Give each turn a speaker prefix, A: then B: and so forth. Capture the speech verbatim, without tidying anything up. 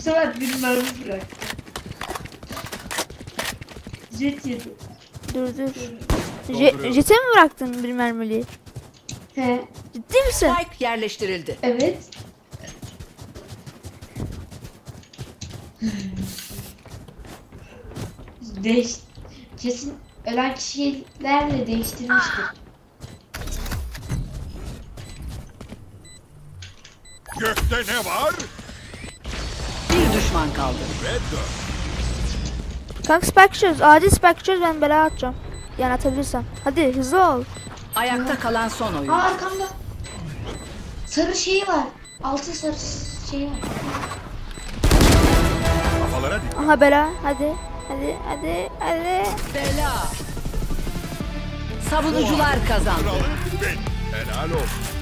A: sefer bir mermi bıraktı. Jet yedi.
B: Dur dur. Je Jet'e mi bıraktın bir mermiliği?
A: He.
B: Ciddi misin?
C: Spike yerleştirildi.
A: Evet. Değiş kesin ölen kişilerle değiştirmiştir.
D: Gökte ne var?
C: Bir düşman kaldı.
D: Ve dört.
B: Kanka spike çöz. Acil spike çöz, ben bela atacağım. Yani atabilirsem. Hadi hızlı ol.
C: Ayakta kalan son oyun.
A: Aa arkamda. Sarı şeyi var. Altın sarı şeyi var.
D: Kafalara dik.
B: Aha bela. Hadi. Hadi hadi hadi.
C: Bela. Savunucular kazandı.
D: Kralı ben. Helal olsun.